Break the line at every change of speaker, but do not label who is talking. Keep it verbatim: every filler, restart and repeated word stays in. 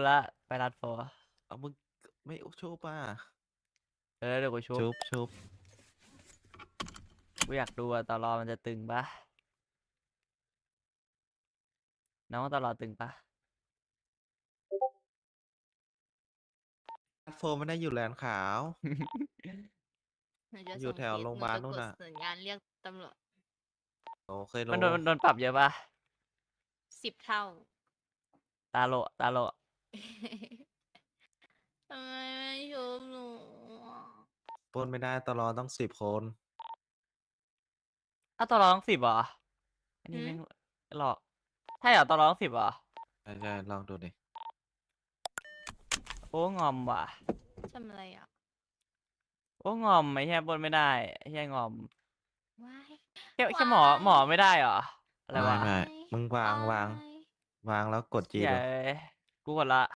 ละไปรัดโฟ
เอามึงไม่ชุบป่ะ
เออเดี๋ยวกูชุบ
ชุบชุบ
กูอยากดูอะตลอมันจะตึงปะน้องว่าตลอตึงปะ
โฟมไม่ได้อยู่แลนด์ขาว
หนูจะ
อยู่
ส่ง
แถว
คลิป
โรงพ
หนู
ยาบาล
จะ
นู่
ก
น
ด
น่ะ
สัญญาณเรียกตำรวจ
โอ้เคยโล
มันโดนมันโดนปรับเยอะปะ
สิบเท่า
ตาโลตาโล
ทำไมไม่ชุบหนูอะ
ปล้นไม่ได้ตลอดต้องสิบคน
อ้าวตลอต้องสิบเหรออันนี้แม่งหลอกใช่เหรอตลอต้องสิบเหรอ
ใช่ใช่ลองดูดิ
โอ้งอมว่ะ
ทำอะไรอ่ะ
โอ้งอมไม่ใช่บนไม่ได้ไอ้ใช่งอม
ว้าย
แค่แค่หมอหมอไม่ได้เหรออะไร
ไม่
วะ
ไม่มึงวางวาง
ว้ายว
างแล้วกดจี
ใหญ่
ดู
กูกดละ